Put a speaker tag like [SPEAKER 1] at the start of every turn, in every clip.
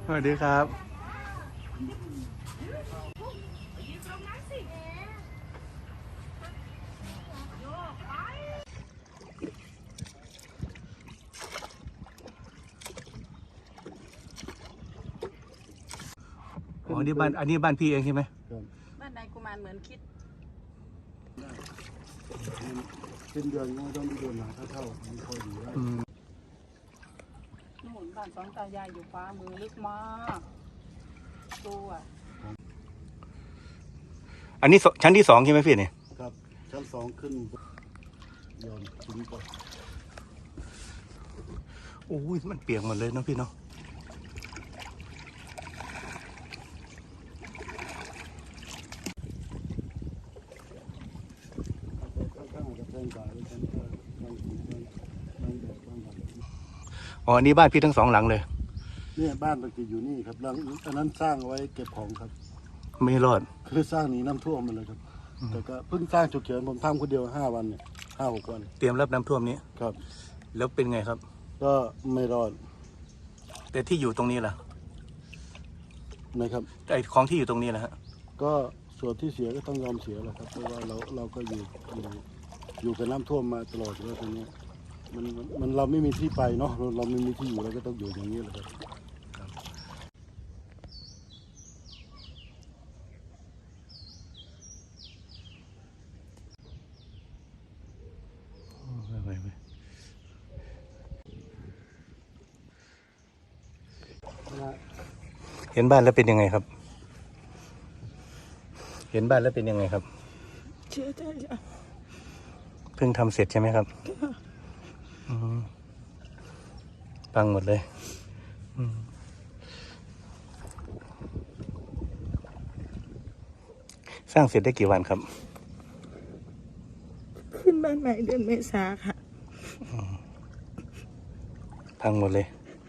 [SPEAKER 1] สวัสดีครับอ๋อนี่บ้านอันนี้บ้านพี่เองใช่ไหม
[SPEAKER 2] บ้านนายกุมารเหมือนคิด
[SPEAKER 3] เป็นเดือนก็ต้องมีเดือนหนาเท่ามันพอดีได้
[SPEAKER 2] หมุนบ้านสองตายายอยู่ฟ้ามือลึกมากตัว
[SPEAKER 1] อันนี้ชั้นที่2ใช่ไหมพี่เนี่ย
[SPEAKER 3] ครับชั้น2ขึ้นย้อนถึงก่อน
[SPEAKER 1] โอ้ยมันเปียกหมดเลยเนาะพี่เนาะอ๋ออันนี้บ้านพี่ทั้ง2หลังเลย
[SPEAKER 3] เนี่ยบ้านมันจะอยู่นี่ครับหลังอันนั้นสร้างไว้เก็บของครับ
[SPEAKER 1] ไม่รอด
[SPEAKER 3] คือสร้างหนีน้ำท่วมมาเลยครับแต่ก็เพิ่งสร้างฉุกเฉินผมทำคนเดียว5 วันเนี่ย5-6 วัน
[SPEAKER 1] เตรียมรับน้ำท่วมนี้
[SPEAKER 3] ครับ
[SPEAKER 1] แล้วเป็นไงครับ
[SPEAKER 3] ก็ไม่รอด
[SPEAKER 1] แต่ที่อยู่ตรงนี้ล่ะ
[SPEAKER 3] นะครับ
[SPEAKER 1] ไอ้ของที่อยู่ตรงนี้นะฮะ
[SPEAKER 3] ก็ส่วนที่เสียก็ต้องยอมเสียแหละครับเพราะว่าเราก็อยู่กับน้ำท่วมมาตลอดแล้วตรงนี้มันเราไม่มีที่ไปเนาะเราไม่มีที่อยู่เราก็ต้องอยู่อย่างนี้แหละครับ
[SPEAKER 1] เห็นบ้านแล้วเป็นยังไงครับเห็นบ้านแล้วเป็นยังไงครับ
[SPEAKER 2] เชื่อใจจ้ะ
[SPEAKER 1] เพิ่งทำเสร็จใช่ไหมครับพังหมดเลยสร้างเสร็จได้กี่วันครับ
[SPEAKER 2] ขึ้นบ้านใหม่เดือนเมษาค่ะ
[SPEAKER 1] พังหมดเลย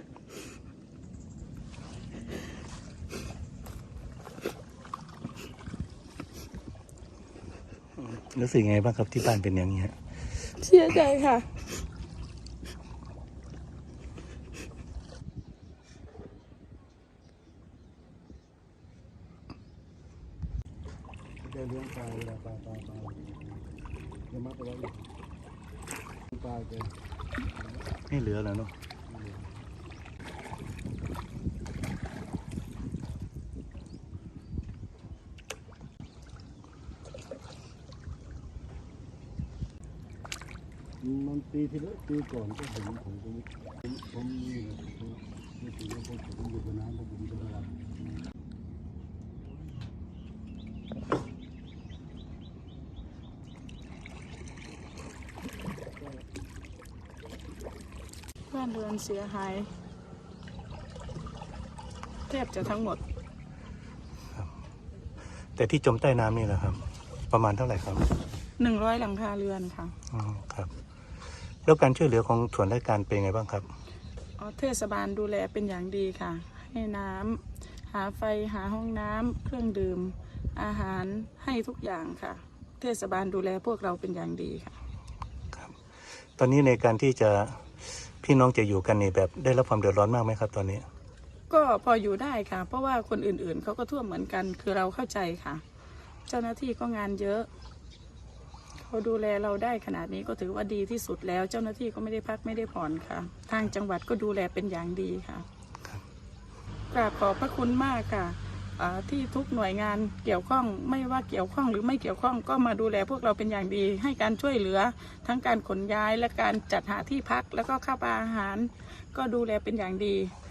[SPEAKER 1] รู้สึกยังไงบ้างครับที่บ้านเป็นอย่างนี้ฮะ
[SPEAKER 2] เชื่อใจค่ะ
[SPEAKER 3] ได้เลี้ยงปลาเวลาปลาจะมัดเอาไว้อยู่ปลาแก
[SPEAKER 1] ไม่เหลือแล้วเนาะ
[SPEAKER 3] มันปีที่แล้วปีก่อนก็ผมนี่แหละไม่ถึงว่าผมอยู่กับน้ำผมจะระวัง
[SPEAKER 2] บ้านเรือนเสียหายแทบจะทั้งหมด
[SPEAKER 1] แต่ที่จมใต้น้ำนี่แหละครับประมาณเท่าไหร่ครับ
[SPEAKER 2] 100 หลังคาเรือนค่ะ
[SPEAKER 1] ครับแล้วการช่วยเหลือของส่วนราชการเป็นไงบ้างครับ
[SPEAKER 2] เทศบาลดูแลเป็นอย่างดีค่ะให้น้ำหาไฟหาห้องน้ำเครื่องดื่มอาหารให้ทุกอย่างค่ะเทศบาลดูแลพวกเราเป็นอย่างดีค่ะ
[SPEAKER 1] ครับตอนนี้ในการที่จะพี่น้องจะอยู่กันนี่แบบได้รับความเดือดร้อนมากไหมครับตอนนี้
[SPEAKER 2] ก็พออยู่ได้ค่ะเพราะว่าคนอื่นๆเขาก็ท่วมเหมือนกันคือเราเข้าใจค่ะเจ้าหน้าที่ก็งานเยอะเขาดูแลเราได้ขนาดนี้ก็ถือว่าดีที่สุดแล้วเจ้าหน้าที่ก็ไม่ได้พักไม่ได้ผ่อนค่ะทางจังหวัดก็ดูแลเป็นอย่างดีค่ะกราบขอบพระคุณมากค่ะที่ทุกหน่วยงานเกี่ยวข้องไม่ว่าเกี่ยวข้องหรือไม่เกี่ยวข้องก็มาดูแลพวกเราเป็นอย่างดีให้การช่วยเหลือทั้งการขนย้ายและการจัดหาที่พักแล้วก็ค่าอาหารก็ดูแลเป็นอย่างดี